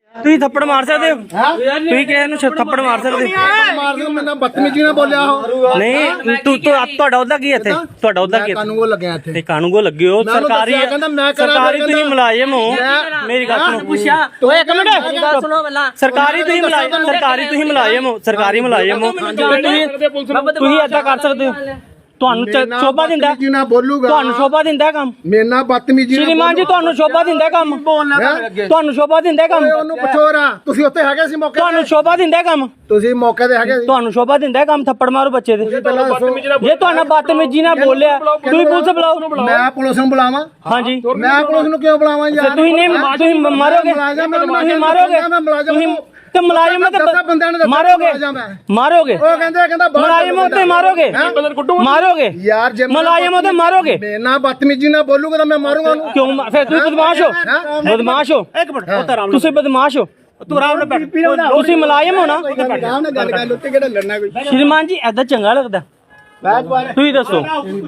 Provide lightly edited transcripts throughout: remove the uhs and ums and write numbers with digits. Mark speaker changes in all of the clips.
Speaker 1: ਤੁਸੀਂ ਥੱਪੜ ਮਾਰ ਸਕਦੇ ਹੋ? ਤੁਸੀਂ ਕਿਸੇ ਨੂੰ ਥੱਪੜ ਮਾਰ ਸਕਦੇ ਹੋ?
Speaker 2: ਮੈਂ ਬਦਤਮੀਜੀ ਨਾਲ ਬੋਲਿਆ ਉਹ
Speaker 1: ਨਹੀਂ ਤੁਹਾਡਾ ਉਹਦਾ ਕੀ ਇੱਥੇ? ਤੁਹਾਡਾ ਉਹਦਾ ਕੀ?
Speaker 2: ਕਾਨੂੰਗੋ ਲੱਗਿਆ ਇੱਥੇ
Speaker 1: ਤੇ ਕਾਨੂੰਗੋ ਲੱਗੇ ਹੋ, ਸਰਕਾਰੀ ਤੁਸੀਂ ਮੁਲਾਜ਼ਮ ਹੋ। ਮੇਰੀ ਗੱਲ ਸੁਣੋ, ਪੁੱਛਿਆ ਓਏ ਇੱਕ ਮਿੰਟ ਗੱਲ ਸੁਣੋ ਪਹਿਲਾਂ। ਸਰਕਾਰੀ ਤੁਸੀਂ ਮੁਲਾਜ਼ਮ ਹੋ, ਸਰਕਾਰੀ ਮੁਲਾਜ਼ਮ ਹੋ। ਤੁਸੀਂ ਏਦਾਂ ਕਰ ਸਕਦੇ ਹੋ? ਤੁਹਾਨੂੰ ਸ਼ੋਭਾ ਦਿੰਦਾ? ਤੁਹਾਨੂੰ ਸ਼ੋਭਾ ਦਿੰਦਾ ਕੰਮ?
Speaker 2: ਮੇਰੇ ਨਾਲ ਬਦਤਮੀਜੀ
Speaker 1: ਸ਼੍ਰੀਮਾਨ ਜੀ ਤੁਹਾਨੂੰ ਸ਼ੋਭਾ ਦਿੰਦਾ ਕੰਮ? ਤੁਹਾਨੂੰ ਸ਼ੋਭਾ ਦਿੰਦਾ ਕੰਮ?
Speaker 2: ਉਹਨੂੰ ਪੁੱਛੋ ਰਾ, ਤੁਸੀਂ ਉੱਥੇ ਹੈਗੇ ਸੀ ਮੌਕੇ?
Speaker 1: ਤੁਹਾਨੂੰ ਸ਼ੋਭਾ ਦਿੰਦਾ ਕੰਮ?
Speaker 2: ਤੁਸੀਂ ਮੌਕੇ ਤੇ ਹੈਗੇ ਸੀ?
Speaker 1: ਤੁਹਾਨੂੰ ਸ਼ੋਭਾ ਦਿੰਦਾ ਕੰਮ ਥੱਪੜ ਮਾਰੋ ਬੱਚੇ ਦੇ? ਜੇ ਤੁਹਾਨੂੰ ਬਦਤਮੀਜੀ ਨਾਲ ਬੋਲਿਆ ਤੁਸੀਂ ਪੁਲਿਸ ਬੁਲਾਓ।
Speaker 2: ਮੈਂ ਪੁਲਿਸ ਨੂੰ ਬੁਲਾਵਾਂ?
Speaker 1: ਹਾਂਜੀ
Speaker 2: ਮੈਂ ਪੁਲਿਸ ਨੂੰ ਕਿਉਂ ਬੁਲਾਵਾਂ ਯਾਰ?
Speaker 1: ਤੁਸੀਂ ਮਾਰੋਗੇ, ਤੁਸੀਂ ਮਾਰੋਗੇ ਤੇ ਮੁਲਾਜ਼ਮ ਤੇ ਮਾਰੋਗੇ
Speaker 2: ਉਹ ਕਹਿੰਦਾ
Speaker 1: ਮੁਲਾਜ਼ਮ ਤੇ ਮਾਰੋਗੇ
Speaker 2: ਯਾਰ। ਜੇ
Speaker 1: ਮੁਲਾਜ਼ਮ ਤੇ ਮਾਰੋਗੇ,
Speaker 2: ਮੇਰੇ ਨਾਲ ਬਦਤਮੀਜੀ ਨਾਲ ਬੋਲੂਗਾ ਤਾਂ ਮੈਂ ਮਾਰੂੰਗਾ ਉਹਨੂੰ।
Speaker 1: ਕਿਉਂ? ਫਿਰ ਤੁਸੀਂ ਬਦਮਾਸ਼ ਹੋ। ਇੱਕ ਮਿੰਟ, ਤੁਸੀਂ ਬਦਮਾਸ਼ ਹੋ। ਤੁਸੀਂ ਮੁਲਾਜ਼ਮ ਹੋ ਨਾ? ਸ਼੍ਰੀਮਾਨ ਜੀ ਏਦਾਂ ਚੰਗਾ ਲੱਗਦਾ? ਤੁਸੀਂ ਦੱਸੋ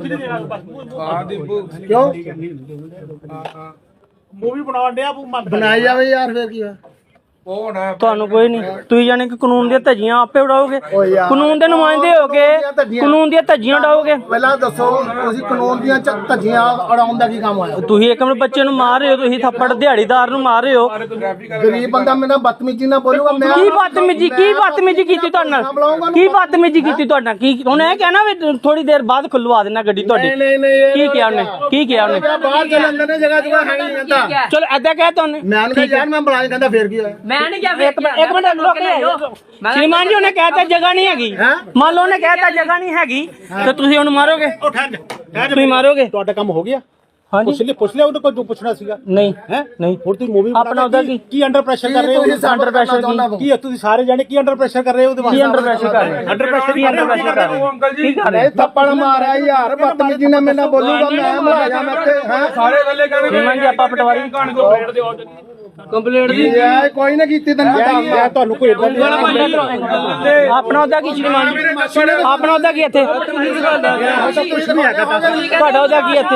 Speaker 2: ਕਿਉਂ
Speaker 3: ਮੂਵੀ ਬਣਾਉਣ ਡਿਆ
Speaker 2: ਬਣਾਈ ਜਾਵੇ ਯਾਰ, ਫਿਰ ਕੀ ਆ?
Speaker 1: ਤੁਹਾਨੂੰ ਕੋਈ ਨਹੀਂ, ਤੁਸੀਂ ਜਾਣੇ ਕਿ ਕਾਨੂੰਨ ਦੀਆਂ ਧੱਜੀਆਂ ਆਪੇ ਉਡਾਓਗੇ? ਕਾਨੂੰਨ ਦੇ ਨੁਮਾਇੰਦੇ ਹੋ ਕੇ ਕਾਨੂੰਨ ਦੀਆਂ ਧੱਜੀਆਂ ਉਡਾਓਗੇ?
Speaker 2: ਪਹਿਲਾਂ ਦੱਸੋ ਤੁਸੀਂ ਕਾਨੂੰਨ ਦੀਆਂ ਧੱਜੀਆਂ ਉਡਾਉਣ ਦਾ ਕੀ ਕੰਮ ਹੋਇਆ?
Speaker 1: ਤੁਸੀਂ ਇੱਕ ਮਿੰਟ ਬੱਚੇ ਨੂੰ ਮਾਰ ਰਹੇ ਹੋ, ਤੁਸੀਂ ਥੱਪੜ ਦਿਹਾੜੀਦਾਰ ਨੂੰ ਮਾਰ ਰਹੇ ਹੋ।
Speaker 2: ਗਰੀਬ ਬੰਦਾ ਮੇਰੇ ਨਾਲ ਬਦਤਮੀਜੀ ਨਾਲ ਬੋਲੂਗਾ। ਮੈਂ
Speaker 1: ਕੀ ਬਦਤਮੀਜੀ ਕੀਤੀ ਤੁਹਾਡੇ ਨਾਲ? ਕੀ ਬਦਤਮੀਜੀ ਕੀਤੀ ਤੁਹਾਡੇ ਨਾਲ? ਕੀ ਉਹਨੇ ਇਹ ਕਹਿਣਾ ਵੀ ਥੋੜੀ ਦੇਰ ਬਾਅਦ ਖੁੱਲਵਾ ਦੇਣਾ ਗੱਡੀ ਤੁਹਾਡੀ? ਕੀ ਕਿਹਾ ਉਹਨੇ?
Speaker 2: ਬਾਹਰ ਚੱਲਣ ਦੇ ਜਗ੍ਹਾ ਜਗ੍ਹਾ ਹੈ ਨਹੀਂ ਕਹਿੰਦਾ।
Speaker 1: ਚਲੋ ਏਦਾਂ ਕਹਿ ਤਾ ਉਹਨੇ।
Speaker 2: ਮੈਂ ਨਹੀਂ ਯਾਰ, ਮੈਂ ਬੁਲਾਇਆ ਕਹਿੰਦਾ ਫੇਰ ਕੀ ਹੋਇਆ?
Speaker 1: ਮੈਂ ਨਹੀਂ ਕਿਹਾ। ਇੱਕ ਮਿੰਟ ਰੁਕ ਜਾਓ ਸ਼੍ਰੀਮਾਨ ਜੀ, ਉਹਨੇ ਕਹਿਤਾ ਜਗ੍ਹਾ ਨਹੀਂ ਹੈਗੀ। ਮੰਨ ਲਓ ਉਹਨੇ ਕਹਿਤਾ ਜਗ੍ਹਾ ਨਹੀਂ ਹੈਗੀ ਤੇ ਤੁਸੀਂ ਉਹਨੂੰ ਮਾਰੋਗੇ? ਤੁਸੀਂ ਮਾਰੋਗੇ?
Speaker 3: ਤੁਹਾਡਾ ਕੰਮ ਹੋ ਗਿਆ?
Speaker 1: ਹਾਂਜੀ
Speaker 3: ਪੁੱਛ ਲਿਆ ਉਹਨੂੰ ਕੋਈ ਜੋ ਪੁੱਛਣਾ ਸੀਗਾ?
Speaker 1: ਨਹੀਂ
Speaker 3: ਨਹੀਂ ਹੁਣ ਤੁਸੀਂ ਮੂਵੀ
Speaker 1: ਆਪਣਾ ਉਹਦਾ ਕੀ
Speaker 3: ਅੰਡਰ ਪ੍ਰੈਸ਼ਰ ਕਰ ਰਹੇ ਹੋ?
Speaker 1: ਅੰਡਰ ਪ੍ਰੈਸ਼ਰ
Speaker 3: ਕੀ ਤੁਸੀਂ ਸਾਰੇ ਜਾਣੇ ਕੀ ਅੰਡਰ ਪ੍ਰੈਸ਼ਰ ਕਰ ਰਹੇ ਹੋ? ਉਹਦੇ
Speaker 1: ਕੀ ਅੰਡਰ ਪ੍ਰੈਸ਼ਰ ਕਰ ਰਹੇ ਹੋ?
Speaker 3: ਅੰਡਰ ਪ੍ਰੈਸ਼ਰ
Speaker 2: ਅੰਕਲ ਜੀ ਥੱਪੜ ਮਾਰਿਆ ਯਾਰ, ਬਦਤਮੀਜੀ ਨਾਲ ਮੇਰੇ ਨਾਲ ਬੋਲੂਗਾ। ਮੈਂ ਮੁਲਾਜ਼ਮ ਇੱਥੇ ਸਾਰੇ ਗੱਲੇ ਕਰ
Speaker 1: ਸ਼੍ਰੀਮਾਨ ਜੀ ਆਪਾਂ ਪਟਵਾਰੀ ਕੰਪਲੀਟ ਦੀ
Speaker 2: ਕੋਈ ਨਾ ਕੀਤੀ ਤੈਨੂੰ ਪਤਾ।
Speaker 3: ਤੁਹਾਨੂੰ ਕੋਈ
Speaker 1: ਆਪਣਾ ਉਹਦਾ ਕੀ ਸ਼੍ਰੀਮਾਨ ਜੀ? ਆਪਣਾ ਉਹਦਾ ਕੀ ਇੱਥੇ? ਤੁਹਾਡਾ ਉਹਦਾ ਕੀ ਇੱਥੇ?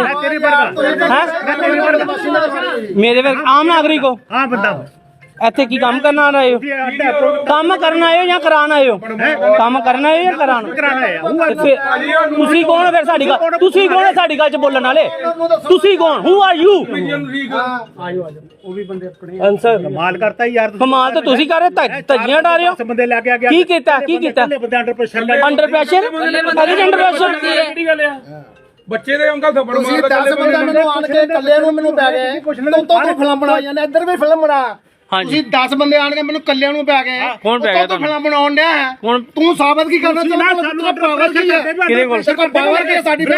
Speaker 1: ਮੇਰੇ ਵਰਗੇ ਆਮ ਨਾਗਰਿਕ ਹੋ?
Speaker 3: ਹਾਂ ਬੰਦਾ
Speaker 1: ਇੱਥੇ ਕੀ ਕੰਮ ਕਰਨ ਆਏ ਹੋ? ਕੰਮ ਕਰਨ ਆਏ ਹੋ ਜਾਂ ਕਰਾਉਣ ਆਏ ਹੋ? ਕੰਮ ਕਰਨ ਆਏ ਹੋ ਜਾਂ ਕਰਾਉਣ? ਤੁਸੀਂ ਕੌਣ ਹੋ ਫਿਰ ਸਾਡੀ ਗੱਲ? ਤੁਸੀਂ ਕੌਣ ਹੈ ਸਾਡੀ ਗੱਲ 'ਚ ਬੋਲਣ ਵਾਲੇ? ਤੁਸੀਂ ਕੌਣ? Who are you?
Speaker 3: ਉਹ ਵੀ ਬੰਦੇ ਆਪਣੇ
Speaker 1: ਆਨਸਰ
Speaker 3: ਕਮਾਲ ਕਰਤਾ ਯਾਰ।
Speaker 1: ਕਮਾਲ ਤਾਂ ਤੁਸੀਂ ਕਰ ਰਹੇ, ਧੱਜੀਆਂ ਉਡਾ ਰਹੇ ਹੋ।
Speaker 3: ਬੰਦੇ ਲੈ ਕੇ ਆ ਗਿਆ।
Speaker 1: ਕੀ ਕੀਤਾ?
Speaker 3: ਬੰਦੇ under pressure
Speaker 1: under pressure? Under pressure
Speaker 4: ਬੱਚੇ ਦੇ ਅੰਕਲ ਥੱਪੜ
Speaker 2: ਤੁਸੀਂ 10 ਬੰਦੇ ਮੈਨੂੰ ਆਣ ਕੇ ਇਕੱਲੇ ਨੂੰ ਮੈਨੂੰ ਪੈ ਗਏ। ਤੋਂ ਫਿਲਮ ਬਣਾ ਜਾਂਦੇ, ਇੱਧਰ ਵੀ ਫਿਲਮ ਬਣਾ। ਤੁਸੀਂ 10 ਬੰਦੇ ਆਣ ਕੇ ਮੈਨੂੰ ਕੱਲਿਆਂ ਨੂੰ ਪੈ ਗਏ।
Speaker 1: ਕੌਣ ਪੈ ਗਿਆ?
Speaker 2: ਤੂੰ ਫਿਲਮ ਬਣਾਉਣ ਡਿਆ ਹੈ। ਤੂੰ ਸਾਬਤ ਕੀ ਕਰਨਾ ਚਾਹੁੰਦਾ? ਸਾਨੂੰ ਪਾਵਰ ਕੀ ਹੈ?
Speaker 1: ਕਿਹਦੇ ਕੋਲ
Speaker 2: ਪਾਵਰ ਕੀ ਸਾਡੀ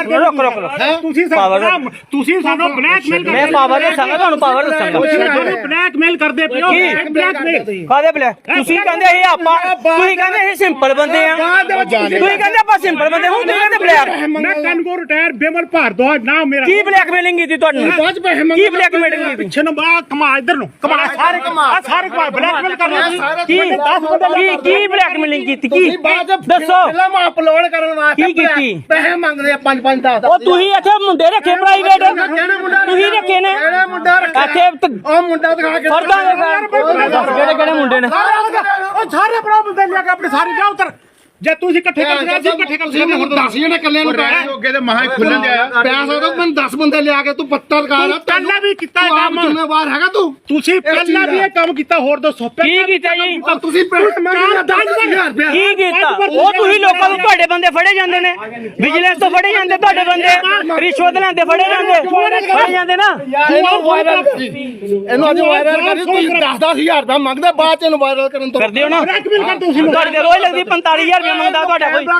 Speaker 3: ਤੁਸੀਂ ਸਾਨੂੰ ਬਲੈਕਮੇਲ
Speaker 1: ਮੈਂ ਪਾਵਰ ਦੱਸਾਂਗਾ ਤੁਹਾਨੂੰ, ਪਾਵਰ ਦੱਸਾਂਗਾ।
Speaker 3: ਬਲੈਕਮੇਲ ਕਰਦੇ ਪਿਓ। ਬਲੈਕਮੇਲ
Speaker 1: ਕਾਹਦੇ ਬਲੈਕ? ਤੁਸੀਂ ਕਹਿੰਦੇ ਇਹ ਆਪਾਂ, ਤੁਸੀਂ ਕਹਿੰਦੇ ਇਹ ਸਿੰਪਲ ਬੰਦੇ ਆ, ਤੁਸੀਂ ਕਹਿੰਦੇ ਆਪਾਂ ਸਿੰਪਲ ਬੰਦੇ, ਹੁਣ ਤੁਸੀਂ ਕਹਿੰਦੇ ਬਲੈਕ।
Speaker 3: ਮੈਂ ਕਨਗੋ ਰਿਟਾਇਰ ਬੇਮਲ ਭਾਰਦਵਾਜ ਨਾਮ ਮੇਰਾ।
Speaker 1: ਕੀ ਬਲੈਕਮੇਲਿੰਗ ਕੀਤੀ ਤੁਹਾਨੂੰ? ਕੀ ਬਲੈਕਮੇਲਿੰਗ ਕੀਤੀ?
Speaker 3: ਪਿੱਛੇ ਨੂੰ ਬਾ ਕਮਾ ਇੱਧਰ ਨੂੰ ਕਮਾ ਸਾਰੇ ਕਮਾ ਬਲੈਕਮੇਲ ਕਰ ਰਹੇ।
Speaker 1: ਕੀ 10 ਬੰਦੇ ਕੀ ਬਲੈਕਮੇਲਿੰਗ ਕੀਤੀ? ਕੀ ਦੱਸੋ?
Speaker 2: ਫਿਲਮ ਅਪਲੋਡ ਕਰਨ ਵਾਸਤੇ
Speaker 1: ਕੀ ਕੀਤੀ?
Speaker 2: ਪੈਸੇ ਮੰਗਦੇ ਆ 5-5 10।
Speaker 1: ਉਹ ਤੁਸੀਂ ਇੱਥੇ ਮੁੰਡੇ ਰੱਖੇ ਪ੍ਰਾਈਵੇਟ, ਤੁਸੀਂ ਰੱਖੇ ਨੇ
Speaker 2: ਕਿਹੜੇ ਮੁੰਡਾ ਰੱਖਿਆ?
Speaker 1: ਇੱਥੇ
Speaker 2: ਉਹ ਮੁੰਡਾ ਦਿਖਾ ਕੇ
Speaker 1: ਫਰਦਾਂ ਕਿਹੜੇ ਕਿਹੜੇ ਮੁੰਡੇ ਨੇ?
Speaker 3: ਉਹ ਸਾਰੇ ਭਰਾ ਬੰਦੇ ਲਿਆ ਕੇ ਆਪਣੇ ਸਾਰੇ ਜਾ ਉਤਰ। ਜੇ ਤੁਸੀਂ ਇਕੱਠੇ ਕਰ ਲਿਆ ਸੀ ਇਕੱਠੇ ਕਰ ਲਿਆ।
Speaker 2: ਹੁਣ 10 ਜਣੇ ਇਕੱਲੇ ਨੂੰ ਪੈ ਗਏ।
Speaker 4: ਅੱਗੇ ਤੇ ਮਹਾ ਖੁੱਲਣ ਦਿਆ
Speaker 2: ਪਿਆਸ ਉਹਦਾ ਮੈਨੂੰ 10 ਬੰਦੇ ਲਿਆ ਕੇ ਤੂੰ ਪੱਤਰ ਲਗਾ ਲਾ।
Speaker 3: ਪਹਿਲਾਂ ਵੀ ਕੀਤਾ ਇਹ ਕੰਮ।
Speaker 2: ਜ਼ਿੰਮੇਵਾਰ ਹੈਗਾ ਤੂੰ?
Speaker 3: ਤੁਸੀਂ ਪਹਿਲਾਂ ਵੀ ਇਹ ਕੰਮ ਕੀਤਾ। ਹੋਰ ਦੱਸੋ
Speaker 1: ਕੀ ਕੀਤਾ ਜੀ?
Speaker 2: ਤੁਸੀਂ ਪੈਸੇ ਮੰਗਦੇ 10,000 ਰੁਪਏ।
Speaker 1: ਕੀ ਕੀਤਾ? ਉਹ ਤੁਸੀਂ ਲੋਕਾਂ ਨੂੰ, ਤੁਹਾਡੇ ਬੰਦੇ ਫੜੇ ਜਾਂਦੇ ਨੇ, ਵਿਜੀਲੈਂਸ ਤੋਂ ਫੜੇ ਜਾਂਦੇ ਤੁਹਾਡੇ ਬੰਦੇ, ਰਿਸ਼ਵਤ ਲੈਂਦੇ ਫੜੇ ਜਾਂਦੇ ਨਾ।
Speaker 2: ਇਹਨੂੰ ਵਾਇਰਲ ਕਰੀ, ਇਹਨੂੰ ਅੱਜ ਵਾਇਰਲ ਕਰੀ। ਤੁਸੀਂ 10,000 ਦਾ ਮੰਗਦੇ, ਬਾਅਦ ਚ ਇਹਨੂੰ ਵਾਇਰਲ ਕਰਨ ਤੋਂ
Speaker 1: ਕਰਦੇ ਹੋ ਨਾ।
Speaker 3: ਬਲੈਕਮੇਲ ਕਰ ਤੁਸੀਂ
Speaker 1: ਤੁਹਾਡੇ ਤੇ ਰੋਜ਼ ਲੱਗਦੀ 45,000 ਰੁਪਏ ਮੰਗਦਾ ਤੁਹਾਡਾ ਕੋਈ।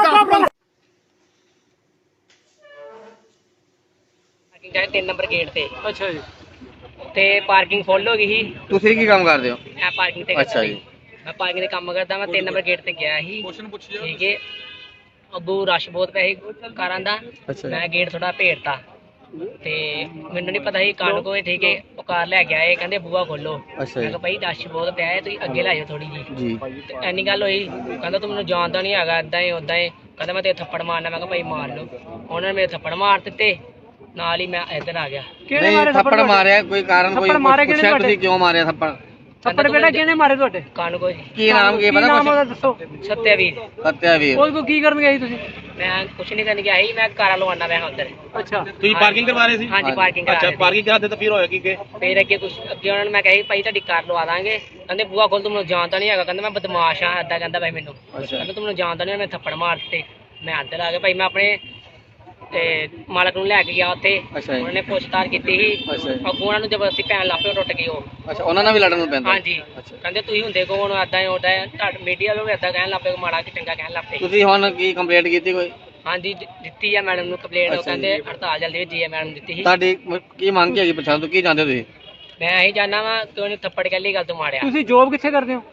Speaker 5: ਜਾਏ 3 ਨੰਬਰ ਗੇਟ ਤੇ।
Speaker 1: ਅੱਛਾ ਜੀ।
Speaker 5: ਤੇ ਪਾਰਕਿੰਗ ਫੁੱਲ ਹੋ ਗਈ ਸੀ।
Speaker 6: ਤੁਸੀਂ ਕੀ ਕੰਮ ਕਰਦੇ ਹੋ?
Speaker 5: ਮੈਂ ਪਾਰਕਿੰਗ ਤੇ
Speaker 6: ਅੱਛਾ ਜੀ।
Speaker 5: ਮੈਂ ਪਾਰਕਿੰਗ ਦੇ ਕੰਮ ਕਰਦਾ। ਮੈਂ 3 ਨੰਬਰ ਗੇਟ ਤੇ ਗਿਆ ਸੀ। ਠੀਕ ਹੈ, ਅੱਗੋਂ ਰਸ਼ ਬਹੁਤ ਪਿਆ ਸੀ ਕਾਰਾਂ ਦਾ। ਮੈਂ ਗੇਟ ਥੋੜਾ ਭੇੜਤਾ ਤੇ ਮੈਨੂੰ ਨਹੀਂ ਪਤਾ ਸੀ ਕੰਨ ਕੋਈ। ਠੀਕ ਹੈ, ਉਹ ਕਾਰ ਲੈ ਕੇ ਆਏ, ਕਹਿੰਦੇ ਬੂਹਾ ਖੋਲੋ। ਮੈਂ ਕਿਹਾ ਭਾਈ ਰਸ਼ ਬਹੁਤ ਪਿਆ ਹੈ, ਤੁਸੀਂ ਅੱਗੇ ਲੈ ਜਾਓ ਥੋੜੀ ਜੀ। ਤੇ ਐਨੀ ਗੱਲ ਹੋਈ। ਕਹਿੰਦਾ ਤੂੰ ਮੈਨੂੰ ਜਾਣਦਾ ਨਹੀਂ ਹੈਗਾ, ਏਦਾਂ ਹੀ ਉਦਾਂ ਹੀ। ਕਹਿੰਦਾ ਮੈਂ ਤੇ ਥੱਪੜ ਮਾਰਨਾ। ਮੈਂ ਕਿਹਾ ਭਾਈ ਮਾਰ ਲਓ। ਉਹਨਾਂ ਨੇ ਮੇਰੇ ਥੱਪੜ ਮਾਰ ਦਿੱਤੇ, ਨਾਲ ਹੀ ਮੈਂ ਇੱਧਰ ਆ ਗਿਆ।
Speaker 6: ਨਹੀਂ ਥੱਪੜ ਮਾਰਿਆ ਕੋਈ ਕਾਰਨ? ਕੋਈ ਪੁੱਛਿਆ ਤੁਸੀਂ ਕਿਉਂ ਮਾਰਿਆ ਥੱਪੜ?
Speaker 5: ਥੱਪੜ ਬੇਟਾ ਕਿਹਨੇ ਮਾਰੇ ਤੁਹਾਡੇ ਕਾਨੂੰਗੋ ਜੀ
Speaker 1: ਕੀ ਨਾਮ ਕੀ ਪਤਾ ਕੁਛ
Speaker 5: ਦੱਸੋ ਸਤਿਆਵੀਰ
Speaker 1: ਸਤਿਆਵੀਰ
Speaker 5: ਕੋਈ ਕੀ ਕਰਨ ਗਏ ਸੀ ਤੁਸੀਂ ਮੈਂ ਕੁਛ ਨਹੀਂ ਕਰਨ ਗਿਆ ਸੀ ਮੈਂ ਕਾਰਾਂ ਲਵਾਉਣਾ ਪਿਆ ਉੱਧਰ
Speaker 1: ਅੱਛਾ
Speaker 4: ਤੁਸੀਂ ਪਾਰਕਿੰਗ ਕਰਵਾ ਰਹੇ ਸੀ
Speaker 5: ਹਾਂਜੀ ਪਾਰਕਿੰਗ ਕਰਾ
Speaker 4: ਅੱਛਾ
Speaker 5: ਰਹੇ ਸੀ।
Speaker 4: ਪਾਰਕਿੰਗ ਕਰਾ ਦਿੱਤਾ ਫਿਰ ਹੋਇਆ ਕੀ ਕਿ
Speaker 5: ਫਿਰ ਅੱਗੇ ਉਹਨਾਂ ਨੇ ਮੈਂ ਕਿਹਾ ਸੀ ਭਾਈ ਤੁਹਾਡੀ ਕਾਰ ਲਵਾ ਦਾਂਗੇ ਕਹਿੰਦੇ ਬੂਆ ਖੋਲ ਤੂੰ ਮੈਨੂੰ ਜਾਣਦਾ ਨਹੀਂ ਹੈਗਾ ਕਹਿੰਦਾ ਮੈਂ ਬਦਮਾਸ਼ ਆ ਏਦਾਂ ਕਹਿੰਦਾ ਭਾਈ ਮੈਨੂੰ ਕਹਿੰਦਾ ਤੂੰ ਮੈਨੂੰ ਜਾਣਦਾ ਨਹੀਂ ਮੈਂ ਥੱਪੜ ਮਾਰ ਦਿੱਤੇ ਮੈਂ ਅੰਦਰ ਆ ਗਿਆ ਭਾਈ ਮੈਂ ਆਪਣੇ ਤੇ ਮਾਲਕ ਨੂੰ ਲੈ ਕੇ ਗਿਆ ਉੱਥੇ
Speaker 1: ਅੱਛਾ ਜੀ।
Speaker 5: ਉਹਨਾਂ ਨੇ ਪੁੱਛਤਾਛ ਕੀਤੀ ਸੀ
Speaker 1: ਅੱਛਾ ਜੀ।
Speaker 5: ਅੱਗੋਂ ਉਹਨਾਂ ਨੂੰ ਜ਼ਬਰਦਸਤੀ ਪੈਣ ਲੱਗ ਪਏ ਟੁੱਟ ਗਏ ਉਹ
Speaker 1: ਅੱਛਾ ਉਹਨਾਂ ਨਾਲ ਵੀ ਲੜਨ ਨੂੰ ਪੈਂਦਾ
Speaker 5: ਹਾਂਜੀ ਕਹਿੰਦੇ ਤੁਸੀਂ ਹੁੰਦੇ ਕੋਣ ਏਦਾਂ ਤੁਹਾਡੇ ਮੀਡੀਆ ਵਾਲੇ ਵੀ ਏਦਾਂ ਕਹਿਣ ਲੱਗ ਪਏ ਮਾੜਾ ਕਿ ਚੰਗਾ ਕਹਿਣ ਲੱਗ ਪਏ
Speaker 1: ਤੁਸੀਂ ਹੁਣ ਕੀ ਕੰਪਲੇਂਟ ਕੀਤੀ ਕੋਈ
Speaker 5: ਹਾਂਜੀ ਦਿੱਤੀ ਆ ਮੈਡਮ ਨੂੰ ਕੰਪਲੇਂਟ ਉਹ ਕਹਿੰਦੇ ਹੜਤਾਲ ਜਲਦੀ ਜੀ ਮੈਡਮ ਨੂੰ ਦਿੱਤੀ ਸੀ
Speaker 1: ਤੁਹਾਡੀ ਕੀ ਮੰਗ ਕੀ ਹੈਗੀ ਪਛਾਣ ਤੋਂ ਕੀ ਜਾਂਦੇ ਤੁਸੀਂ
Speaker 5: ਮੈਂ ਇਹੀ ਜਾਣਦਾ ਵਾਂ ਕਿ ਉਹਨੇ ਥੱਪੜ ਕੱਲੀ ਗੱਲ ਤੋਂ ਮਾਰਿਆ
Speaker 3: ਤੁਸੀਂ ਜੋਬ ਕਿੱਥੇ ਕਰਦੇ ਹੋ